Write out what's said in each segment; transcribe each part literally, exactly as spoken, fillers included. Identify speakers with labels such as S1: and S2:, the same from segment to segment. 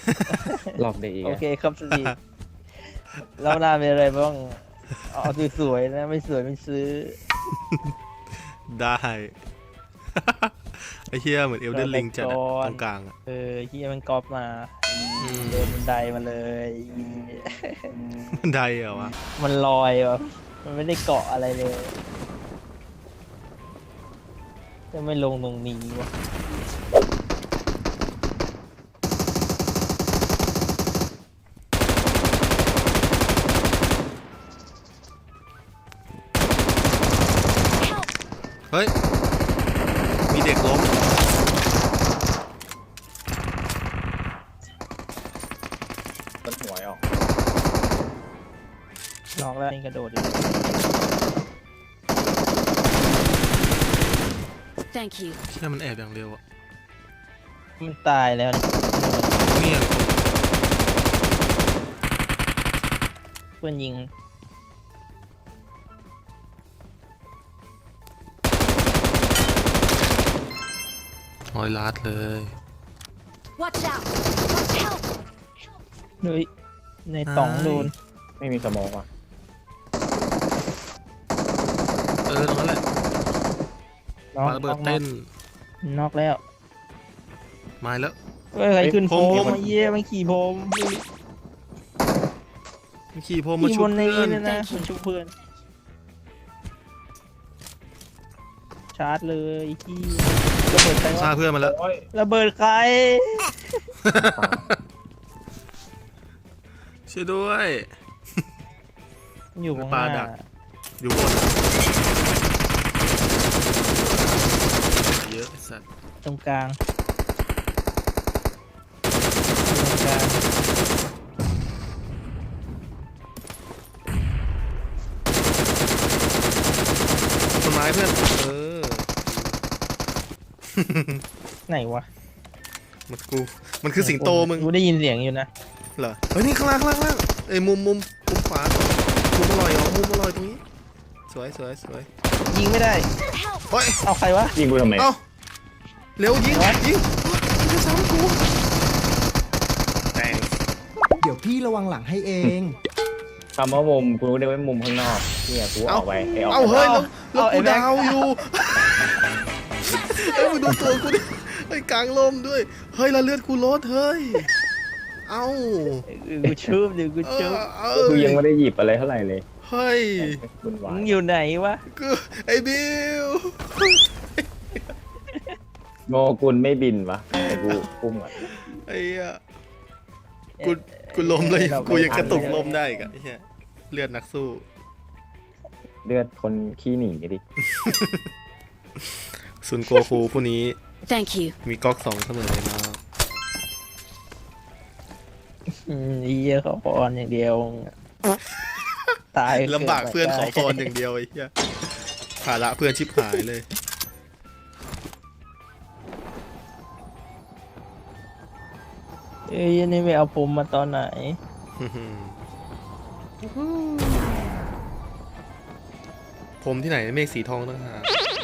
S1: หลอกเด็กอีก
S2: โอ
S1: อะ
S2: เคครับสตีเราหน้าเป็นอะไรบ้างเอาสวยๆนะไม่สวยไม่ซื้อ
S3: ได้ ไอ้เหี้ยเหมือนเอลเดนลิงจัดอะตรงกลางอะ
S2: เออเฮียมันก๊อปมา
S3: อืม
S2: เดินบันไดมาเลย
S3: บันไดเหรอวะ
S2: มันลอยวะมันไม่ได้เกาะอะไรเลยจะไม่ลงตรงนี้วะ
S3: เฮ้ยมีเด็กล้ม
S1: ต้นหวยออก
S2: ลองแล้วนี่กระโดดอยู่
S4: Thank you.
S3: เชื่อมันแอบอย่างเร็วอะ
S2: มันตายแล้วนี่
S3: เนี่ย
S2: เพื่อนยิง
S3: ร้อยล้านเลย
S4: Watch out. Watch out.
S2: เฮ้ยในต่องโดน
S1: ไม่มีสมองว่ะ
S3: เออตรงนั้นแหละ
S2: น็อก
S3: ปาระเบิดเต้น
S2: น็อกแล้ว
S3: มาแล้ว
S2: เฮ้ยใครขึ้นโพ
S3: ผมผม
S2: มาเยี่ยมันขี่โพม
S3: มีขี่พรมมา
S2: ขี่
S3: ชุ
S2: บบ นนี้
S3: เพื่อน
S2: เนี่ยนะมันชุบเพื่อน ชาร์จเลยที่ระเบิดใคร
S3: ฆ่าว
S2: ะ
S3: เพื่อนมาแล้ว
S1: โอ้ย
S2: ระเบิดใคร
S3: ช่วยด้วย
S2: อยู่ข้างห
S3: ปลา
S2: น้า
S3: ดัก อยู่บนเยอะไอ้สัตว์
S2: ตรงกลางตรงกลาง
S3: ต้นไม้เพื่อนเออ
S2: ไหนวะ
S3: มันกูมันคือสิงโตมึง
S2: กูได้ยินเสียงอยู่นะ
S3: เหรอเฮ้ยนี่ข้างล่างข้างล่างข้างล่างเอ้ยมุมมุมมุมขวามุมอร่อยอ๋อมุมอร่อยตรงนี้สวยสวยสวย
S2: ยิงไม่ได้
S3: เฮ้ย
S2: เอาใครวะ
S1: ยิงกูทำไม
S3: เอ้าเร็วยิงยิงมันจะซ้ำกูแตง
S5: เดี๋ยวพี่ระวังหลังให้เอง
S1: คำว่ามุมกูรู้ได้ว่ามุมข้างนอกเนี่ยกูออกไปไอ้ออก
S3: เอ้า
S1: ไป
S3: เฮ้ยแล้วแล้ว
S2: เอาไอ้
S3: กู
S2: แบ็ค
S3: ดาวอยู่เอ้ยมึงดูตัวกูดิไอ้ยกลางลมด้วยเฮ้ยแล้วเลือดกูลดเฮ้ยเอ้า
S2: เออกูชูบเดี๋ยวกู
S3: เอ
S2: ชู
S3: อบ เอ
S1: กู
S3: อ
S1: ยังไม่ได้หยิบอะไรเท่าไหร่เลย
S3: เฮ้ย
S1: คุณวา
S2: มึ
S1: ย
S2: งอยู่ไหนวะ
S3: กูไอ้บิว
S1: โงกุลไม่บินวะไอ้กูพุ่งอ่ะ
S3: ไอ้เหี้ยกูกูล้มเลยกูยังกระตุกล้มได้อีกอะไอ้เหี้ยเลือดนักสู้
S1: เลือดคนขี้หนีดิ
S3: ซุนโกคูผู้นี้
S4: Thank you.
S3: มีก๊อกสองเสมอเลยนะ
S2: อืมไอ้เหี้ยเขาพรอย่างเดียว ตาย
S3: ลำบากเพื่อนขอพรอย่างเดียวไอ้เหี้ยภาระเพื่อนชิบหายเลย
S2: เอ้ยนี่ไปเอาผมมาตอนไหน
S3: ผมที่ไหนเมฆสีทองตั้งหาก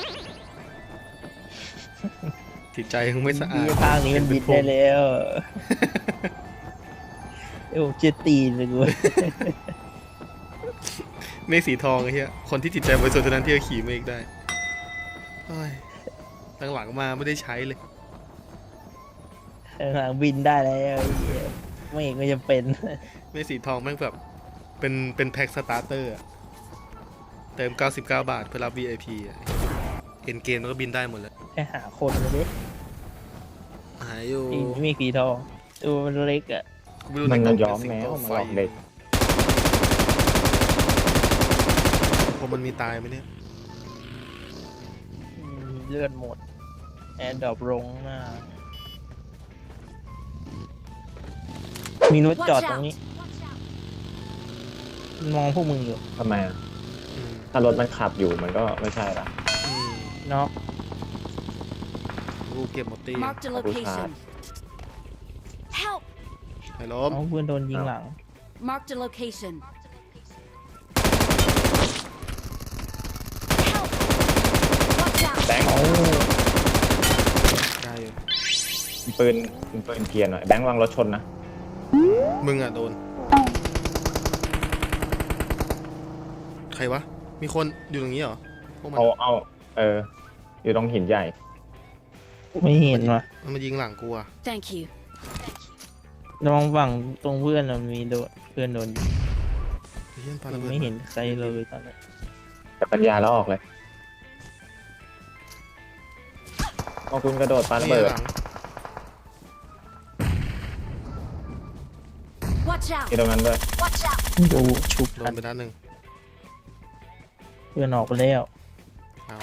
S3: จิตใจคงไม่สะอาด
S2: ทางนี้มันบิดได้แล้วเอ้ยผมเจ็ดตีนเลยกู
S3: เมฆสีทองไอ้เหี้ยคนที่จิตใจบริสุทธิ์เท่านั้นที่จะขี่เมฆได้เฮ้ยตั้งหลังมาไม่ได้ใช้เลย
S2: หลังบินได้แล้วไอ้เหี้ยไม่ก็จะเป็น
S3: เมฆสีทองแม่งแบบเป็นเป็นแพ็คสตาร์เตอร์อะเติมเก้าสิบเก้าบาทเพื่อรับ วี ไอ พี อ่ะเอ็นเกมมันก็บินได้หมดแล้ว
S2: แค่หาคนเลยดิ
S3: หายอยู่
S2: อีนี่มีสีทองตัวมันเล็กอ่ะ
S3: กูไรู้
S1: มัน
S3: ใกล่ง
S1: ย้อม
S3: เป็
S1: แม
S3: สิง
S1: ว
S3: โต
S1: มัน
S3: ไฟ
S1: หลอกเด็ก
S3: ผมมันมีตายไหมเนี่ย
S2: อืมเลือดหมดแอร์ดรอปลงหน้ามีรถจอด
S4: Watch
S2: ตรง
S4: out.
S2: นี้มองพวกมึงอยู่
S1: ทำไมอะ
S3: อืม
S1: ถ้ารถมันขับอยู่มันก็ไม่ใช่ละ
S3: อืม
S2: เนาะ
S3: กูเก็บหมดตี
S4: Marked a location. Help.
S3: ไอ้ล้ม
S2: เอาเพื่อนโดนยิงหลัง
S4: Marked a location. Help.
S1: แบงค์
S2: เอา
S3: ได้อยู่
S1: ปืนปืนเกียร์หน่อยแบงค์วางรถชนนะ
S3: มึงอ่ะโดน ใครวะ มีคนอยู่ตรงนี้เหรอ พวกมัน
S1: เอาเอาเออ อยู่ตรงหินใหญ่
S2: ไม่เห็นว่ะ
S3: มันมายิงหลังกูอ่ะ
S4: Thank you.
S2: ระวังฝั่งตรงเพื่อนเรามีโดนเพื่อนโดนยิง
S3: ไอ้เหี้ยปาระเบิด
S2: ไม่เห็นใครเลยตอนนี้
S1: แต่ปัญญาแล้วออกเลยเอาคุณกระโดดปาระ
S3: นี่
S1: เบิด
S3: หลัง
S4: Watch out.
S1: ที่ตรงนั้นด้วย
S4: Watch out.
S2: ดูชุบ
S3: โด
S2: กัน
S3: นไปด้านหนึ่ง
S2: เพื่อนออกไปแล้ว
S3: อ้าว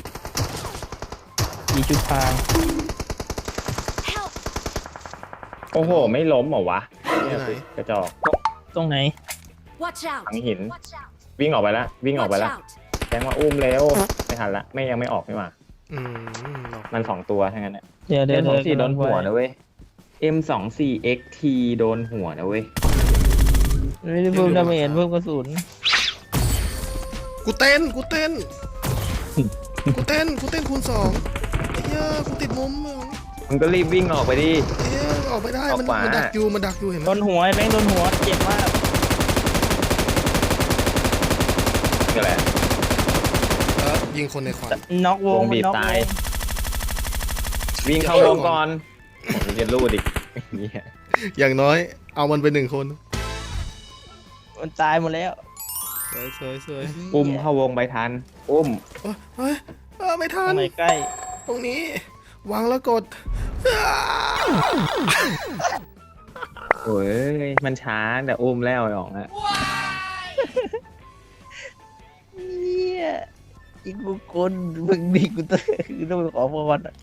S2: มีชุดพราง
S4: Help.
S1: โอ้โห ไม่ล้มเหรอวะ
S3: ที่ไหน
S1: กระจอก
S2: ตรงไหน
S4: Watch out.
S1: ทั้งหิน
S4: Watch out.
S1: วิ่งออกไปแล้ววิ่งออกไป
S4: Watch
S1: แล้ว
S4: out.
S1: แจ้งว่าอุ้มแล้วไม่ทันละไม่ยังไม่ออกไม่มา
S3: อืมหรอก
S1: มันสองตัวทั้งนั้นเนี่ย
S2: เดี๋ยวเดี๋ยว
S1: เอ็มสองสี่
S2: เดี๋ยว
S1: โดนหัวนะเว้ย เอ็มสองสี่ เอ็กซ์ ที โดนหัวนะเว้ย
S2: ไม่ได้เพิ่มดาเมจเพิ่มกระสุน
S3: กูเต้น กูเต้น กูเต้น กูเต้นคูณสองไอ้เหี้ยกูติดมุมมึง
S1: มึงก็รีบวิ่งออกไปดิ
S3: ไอ้เหี้ยออกไม่ได้ มัน
S1: ออกขวามั
S3: มันดักอยู่ มันดักอยู่เห็นไหม
S2: โดนหัวไอ้แบงค์โดนหัวเจ็บมาก
S1: นี่แหละ
S3: เออยิงคนในควัน
S2: น็อกว
S1: ว
S2: ง
S1: งบีบ
S2: น็อก
S1: ตาย
S2: วง
S1: วิ่งเข้าวงก่อนผมจะรูดอีกเหี้ย
S3: อย่างน้อย เอามันไปหนึ่งคน
S2: มันตายหมดแล้ว
S3: สวยสวยสวย
S1: อุ้มเข้าวงไปทัน อุ้ม
S3: เอ้ยเฮ้ยเออไม่
S2: ต
S3: ทั
S2: ร
S3: น
S2: งไหนใกล้
S3: ตรงนี้ วางแล้วกด
S1: โอ้ย มันช้าแต่อุ้มแล้วไอ้อ๋องอะ
S2: เนี่ยอีกบุคคลมึงดีกูต้องคือต้องไปขอพรอะ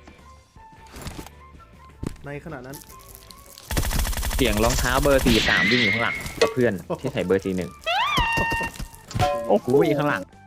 S3: ในขณะนั้น
S1: เสียงรองเท้าเบอร์สี่สามวิ่งอยู่ข้างหลังกับเพื่อนที่ใส่เบอร์สี่หนึ่ง
S2: โอ้โห
S1: กูอยู่ข้างหลัง